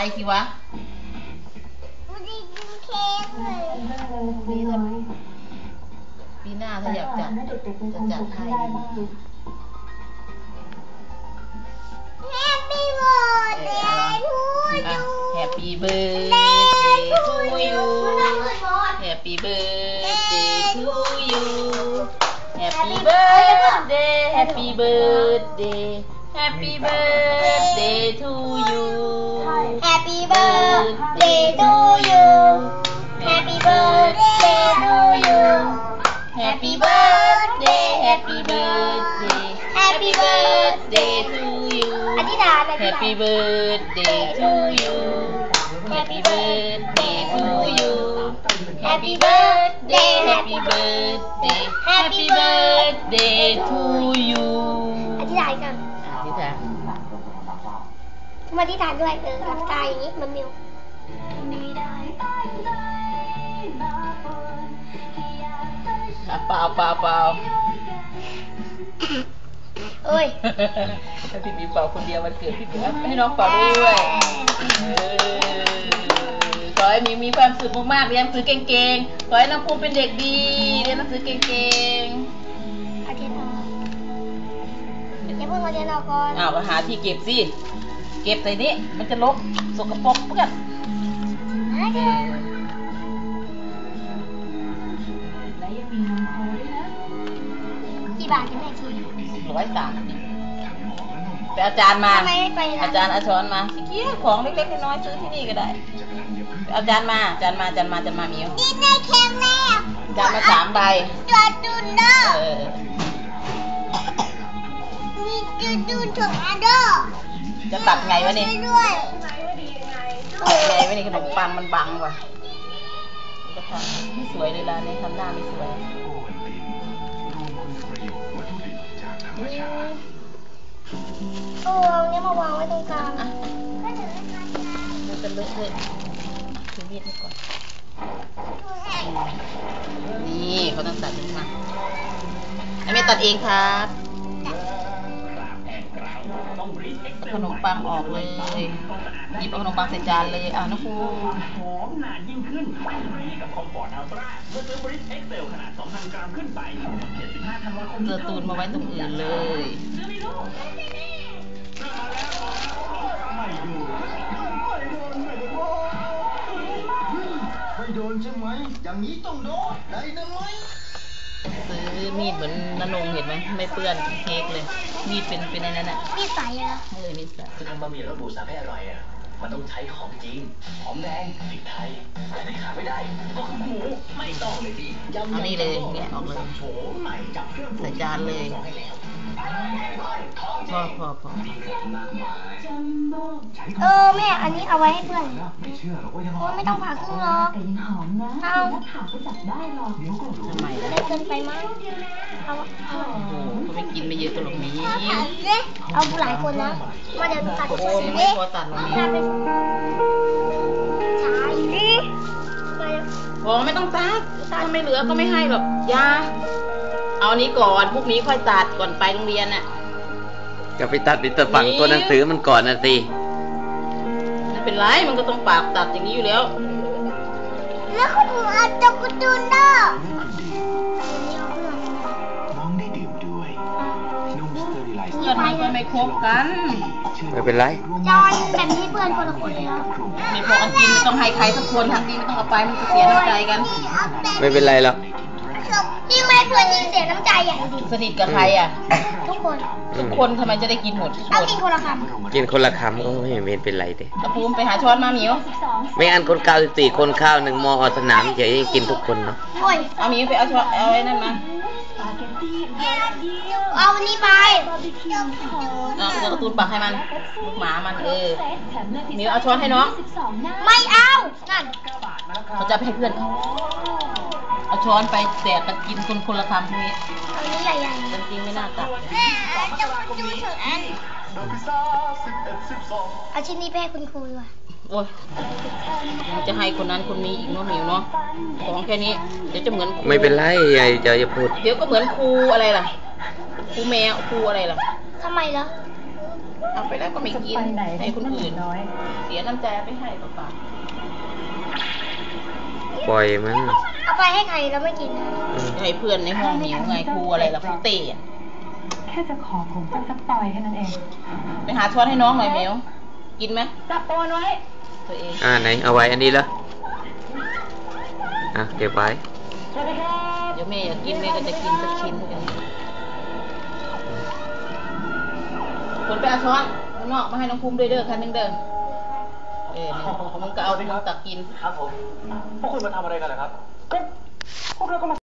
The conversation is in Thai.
สิวะปีหน้าถ้าอยากจัดจะจัดให้Happy birthday to you Happy birthday to you Happy birthday Happy birthday Happy birthday to you Happy birthday to you Happy birthday to you Happy birthday Happy birthday Happy birthday to you อธิษฐาน Happy birthday to you Happy birthday to you Happy birthday Happy birthday Happy birthday to you อธิษฐานกันอธิษฐานมาอธิษฐานด้วยหลับตาอย่างนี้มันมิวเปล่าเปล่าเปล่าเอ้ยถ้าพี่บีเป่าคนเดียววันเกิดพี่บีให้น้องเป่าด้วยขอให้มีความสุขมากๆเรียนหนังสือเก่งๆขอให้น้องภูมิเป็นเด็กดีเรียนหนังสือเก่งๆอาเทียนออกอย่าเพิ่งอาเทียนออกก่อนอ้าวก็หาที่เก็บสิเก็บใส่นี้มันจะรกสกปรกเพื่อนกี่บาทกันแม่ที 130ไปอาจารย์มาอาจารย์อาช้อนมาสิเกี้ยของเล็กๆน้อยๆซื้อที่นี่ก็ได้อาจารย์มามิวนี่ในเค้กแม่อาจารย์มา3 ใบตัวดุนเด้อนี่ตัวดุนถุงอันเด้อจะตัดไงวะนี่ด้วยไงวะนี่ขนมปังมันบังว่ะจะทำไม่สวยเลยร้านนี้ทำหน้าไม่สวยโอ้เนี่ยมาวางไว้ตรงกลางมันจะเลอะเลยถือมีดให้ก่อนนี่เขาต้องตัดขึ้นมาไม่ตัดเองครับขนมปังออกเลยหยิบเอาขนมปังใส่จานเลยน้องภูหอมนานยิ่งขึ้นกับคอมฟอร์ตอัลตร้าเมื่อซื้อบริสเอ็กเซลขนาด 2,000 กรัมขึ้นไป75 ธันวาคมเจอตูนมาไว้ตรงอื่นเลยไม่โดนใช่ไหมอย่างนี้ต้องโดนได้ไหมซื้อมีดเหมือนนนงเห็นไหมไม่เปื้อนเค้กเลยมีดเป็นในนั้นอ่ะมีดใสเหรอมีดใสคือทำบะหมี่รสหมูสับให้อร่อยอ่ะมันต้องใช้ของจริงหอมแดงพริกไทยแต่ที่ขาดไม่ได้ก็คือหมูไม่ต้องเลยดิเอานี่เลยเนี่ยออกเลยใส่จานเลยพอแม่อันนี้เอาไว้ให้เพื่อนไม่ต้องผ่าครึ่งหรอกเอาทำไมล่ะได้เกินไปมั้ยเขาไม่กินไม่เยอะตัวหรอกนี้เอาหลายคนนะมาเดี๋ยวตัดโอ้ไม่พอตัดหรอกนี้ใช่พอไม่ต้องตัดถ้าไม่เหลือก็ไม่ให้หรอกยาเอานี้ก่อนพวกนี้ค่อยตัดก่อนไปโรงเรียนน่ะจะไปตัดตัวฝั่งตัวหนังสือมันก่อนนะสิไม่เป็นไรมันก็ต้องปากตัดอย่างนี้อยู่แล้วแล้วคุณหนูเอาตะกุตุนเด้อน้องได้ดื่มด้วยนุ่มสเตอริไลซ์เพื่อนมันก็ไม่คบกันไม่เป็นไรจอยแบบนี้เพื่อนคนละคนเลยนะมีพอกันกินไม่ต้องให้ใครสักคนทางดีไม่ต้องเอาไปมันจะเสียน้ำใจกันไม่เป็นไรหรอกนี่ไม่เพื่อนยิ่งเสียน้ำใจอย่างดีสนิทกับใครอ่ะทุกคนทำไมจะได้กินหมดเอากินคนละคำกินคนละคำก็ไม่เห็นเป็นไรเด้ตะภูมิไปหาช้อนมาหมิวไม่อันคน94คนข้าว1 มอสนามจะให้กินทุกคนเนาะเอาหมิวไปเอาช้อนเอาไว้นั่นมาเอาวันนี้ไปเดี๋ยวตูนปักให้มันลูกหมามันหมิวเอาช้อนให้น้องไม่เอานั่นเขาจะไปให้เพื่อนเอาช้อนไปแตกกันกินคนละคำพวกนี้อันนี้ใหญ่ยังจริงไม่น่าตัดจะดูถึงอันเอาชิ้นนี้ไปให้คุณครูว่ะโอ้ยจะให้คนนั้นคนนี้อีกเนาะหมิวเนาะของแค่นี้เดี๋ยวจะเหมือนไม่เป็นไรอย่าพูดเดี๋ยวก็เหมือนครูอะไรล่ะครูแมวครูอะไรล่ะทำไมล่ะเอาไปแล้วก็ไม่กินให้คนอื่นเสียน้ำใจไปให้เปล่าปล่อยมันเอาไปให้ใครแล้วไม่กินนะๆให้เพื่อนในห้องหิวไงครูอะไรล่ะครูเต้อะแค่จะขอผมสักปล่อยแค่นั้นเองไปหาช้อนให้น้องหน่อยเมลกินไหมจับตัวไว้ตัวเองไหนเอาไว้อันนี้เหรอเก็บไว้สวัสดีครับเดี๋ยวแม่อยากกินแม่ก็จะกินสักชิ้นกันคนไปเอาช้อนข้างนอกมาให้น้องภูมิด้วยเด้อคันหนึงเด้อมึงก็เอาไปตักกินครับผม พวกคุณมาทำอะไรกันเหรอครับพวกเราก็มา